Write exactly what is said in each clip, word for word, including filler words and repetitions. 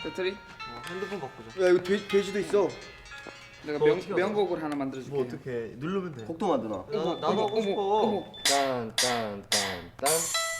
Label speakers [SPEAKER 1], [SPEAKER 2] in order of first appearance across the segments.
[SPEAKER 1] 배터리?
[SPEAKER 2] 어, 핸드폰 바꾸자.
[SPEAKER 3] 야 이거 돼, 돼지도 있어.
[SPEAKER 1] 내가
[SPEAKER 2] 뭐
[SPEAKER 1] 명,
[SPEAKER 2] 어떻게
[SPEAKER 1] 명곡을 하나 만들어줄게.
[SPEAKER 2] 뭐 어떻게 누르면 돼?
[SPEAKER 3] 곡도 만드나?
[SPEAKER 2] 나, 나도 하고 싶어.
[SPEAKER 1] 어머.
[SPEAKER 2] 딴딴딴딴.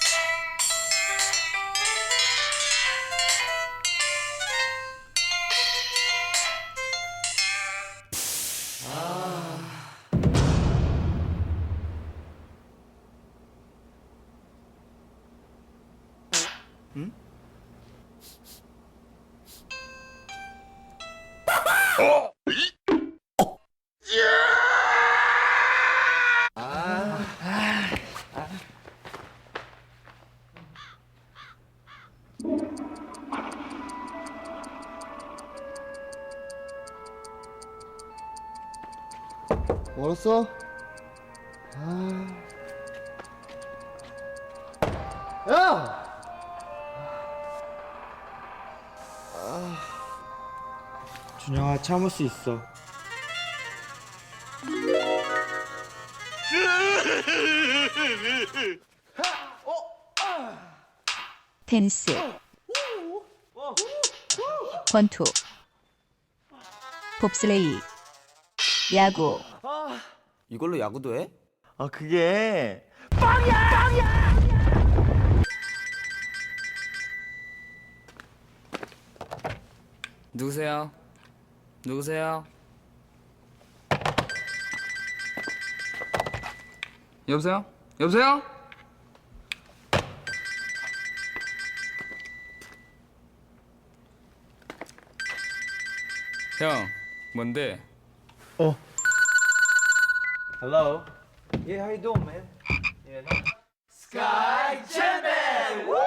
[SPEAKER 3] 멀었어? 아. 야!
[SPEAKER 4] 준영아, 참을 수 있어.
[SPEAKER 5] 댄스 권투 봅슬레이 야구
[SPEAKER 6] 이걸로 야구도 해?
[SPEAKER 2] 아 그게
[SPEAKER 1] 누구세요? 누구세요? 여보세요? 여보세요? 형, 뭔데?
[SPEAKER 2] Hello. Yeah, how you doing, man? Yeah, no. Sky Champion. Woo!